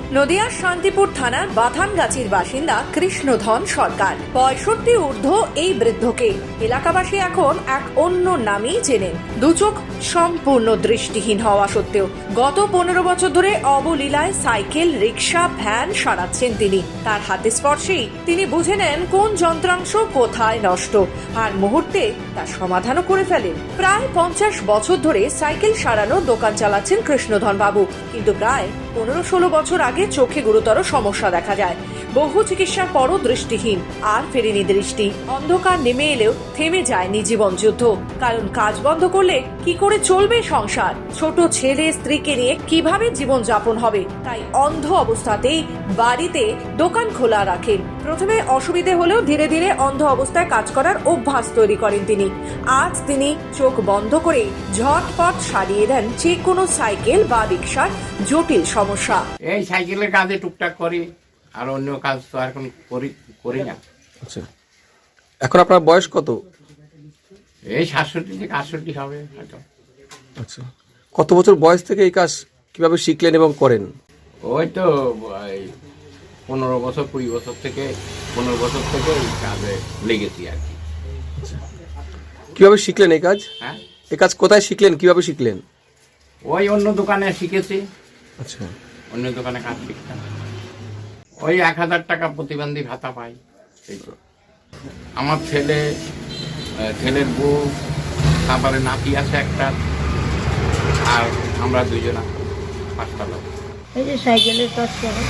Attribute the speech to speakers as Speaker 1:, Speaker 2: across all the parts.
Speaker 1: নদিয়ার শান্তিপুর থানার বাথানগাছির বাসিন্দা কৃষ্ণধন সরকার। 65 ঊর্ধ্ব এই বৃদ্ধকে এলাকাবাসী এখন এক অন্য নামেই চেনেন। দুচোখ সম্পূর্ণ দৃষ্টিহীন হওয়া সত্ত্বেও গত 15 বছর ধরে অবলীলায় সাইকেল, রিক্সা, ভ্যান সারাচ্ছেন তিনি। তার হাতে স্পর্শেই তিনি বুঝে নেন কোন যন্ত্রাংশ কোথায় নষ্ট, আর মুহূর্তে তার সমাধানও করে ফেলেন। প্রায় 50 বছর ধরে সাইকেল সারানো দোকান চালাচ্ছেন কৃষ্ণধন বাবু, কিন্তু প্রায় 15-16 বছর আগে চোখে গুরুতর সমস্যা দেখা যায়। বহু চিকিৎসার পরও দৃষ্টিহীন, আর ফেরেনি দৃষ্টি। অন্ধকার নেমে এলেও থেমে যায়নি জীবন যুদ্ধ, কারণ কাজ বন্ধ করলে কি করে চলবে সংসার, ছোট ছেলে স্ত্রীকে নিয়ে কিভাবে জীবন যাপন হবে। তাই অন্ধ অবস্থাতেই বাড়িতে দোকান খোলা রাখেন। প্রথমে অসুবিধে হলেও ধীরে ধীরে অন্ধ অবস্থায় কাজ করার অভ্যাস তৈরি করেন তিনি। আজ তিনি চোখ বন্ধ করে ঝটপট সারিয়ে দেন যে কোনো সাইকেল বা রিক্সার জটিল সমস্যা।
Speaker 2: এই সাইকেলের কাজে টুকটাক করি, আর অন্য কাজ তো আর এখন করি না।
Speaker 3: আচ্ছা, এখন আপনার বয়স কত?
Speaker 2: এই 67 থেকে 68 হবে হয়তো।
Speaker 3: আচ্ছা, কত বছর বয়স থেকে এই কাজ কিভাবে শিখলেন এবং করেন?
Speaker 2: ওই তো 15 বছর 20 বছর থেকে 15 বছর থেকে এই কাজে লেগেছি আর কি।
Speaker 3: কিভাবে শিখলেন এই কাজ?
Speaker 2: হ্যাঁ,
Speaker 3: এই কাজ কোথায় শিখলেন, কিভাবে শিখলেন?
Speaker 2: ওই অন্য দোকানে শিখেছি।
Speaker 3: আচ্ছা,
Speaker 2: অন্য দোকানে কাজ শিখতাম। ওই 1000 টাকা প্রতিবন্ধী ভাতা পাই। এই তো। আমার ছেলের বউ, তারপরে নাতি আছে একটা, আর আমরা দুজনা, 5টা লোক।
Speaker 4: এই যে সাইকেলের কাজ করে।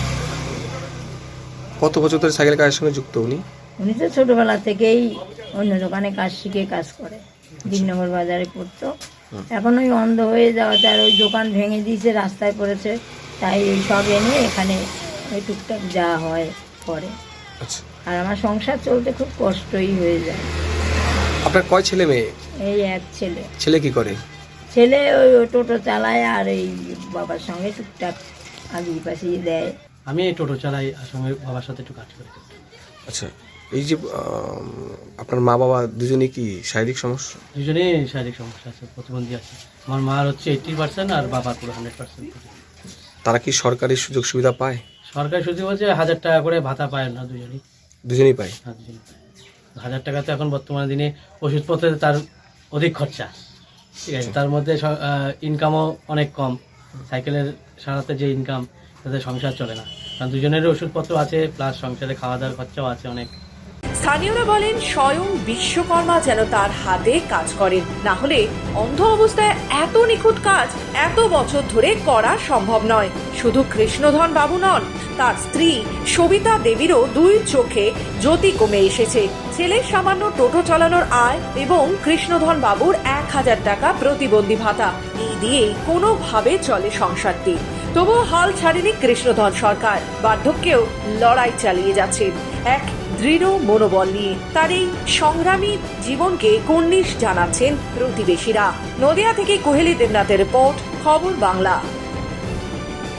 Speaker 3: কত বছর ধরে সাইকেল কাজের সঙ্গে যুক্ত উনি?
Speaker 4: উনি তো ছোটবেলা থেকেই অন্য দোকানে কাজ শিখে কাজ করে, দিননগর বাজারে করতো। এখন ওই অন্ধ হয়ে যাওয়াতে আর ওই দোকান ভেঙে দিয়েছে, রাস্তায় পড়েছে, তাই এই সব এনে এখানে ওই টুকটাক যা হয় করে।
Speaker 3: আচ্ছা,
Speaker 4: আর আমার সংসার চলতে খুব কষ্টই হয়ে যায়।
Speaker 3: আপনার কয় ছেলে মেয়ে?
Speaker 4: এই এক ছেলে।
Speaker 3: ছেলে কি করে?
Speaker 4: ছেলে ওই টোটো চালায়, আর এই বাবার সঙ্গে টুকটাক আগিয়ে পাশিয়ে দেয়।
Speaker 5: আমি এই টোটো চালাই, আর সঙ্গে বাবার সাথে একটু কাজ করি।
Speaker 3: আচ্ছা, এই যে আপনার মা বাবা দুজনেই কি শারীরিক সমস্যা?
Speaker 5: দুজনেই শারীরিক সমস্যা আছে, প্রতিবন্ধী আছে। আমার মার হচ্ছে 80% আর বাবার পুরো 100%।
Speaker 3: তারা কি সরকারি সুযোগ সুবিধা পায়?
Speaker 5: সরকারি সুযোগ বলছে 1000 টাকা করে ভাতা পায় না,
Speaker 3: দুজনেই পায়।
Speaker 5: হ্যাঁ, দুজনেই পায়। 1000 টাকা তো এখন বর্তমানে দিনে ওষুধপত্রে তার অধিক খরচা, ঠিক আছে। তার মধ্যে ইনকামও অনেক কম। সাইকেলের সারাতে যে ইনকাম, তাতে সংসার চলে না, কারণ দুজনের ওষুধপত্র আছে, প্লাস সংসারে খাওয়া দাওয়ার খরচাও আছে অনেক।
Speaker 1: স্থানীয়রা বলেন স্বয়ং বিশ্বকর্মা যেন তার হাতে কাজ করেন, না হলে অন্ধ অবস্থায় এত নিখুঁত কাজ এত বছর ধরে করা সম্ভব নয়। শুধু কৃষ্ণধন বাবু নন, তার স্ত্রী সবিতা দেবীরও 2 চোখে জ্যোতি কমে এসেছে। ছেলের সামান্য টোটো চালানোর আয় এবং কৃষ্ণধন বাবুর 1000 টাকা প্রতিবন্ধী ভাতা, এই দিয়েই কোনোভাবে চলে সংসারটি। তবুও হাল ছাড়েনি কৃষ্ণধন সরকার, বার্ধক্যেও লড়াই চালিয়ে যাচ্ছেন এক দৃঢ় মনোবল নিয়ে। তার এই সংগ্রামী জীবনকে কর্নিশ জানাচ্ছেন প্রতিবেশীরা। নদিয়া থেকে কোহেলি দেবনাথের রিপোর্ট, খবর বাংলা।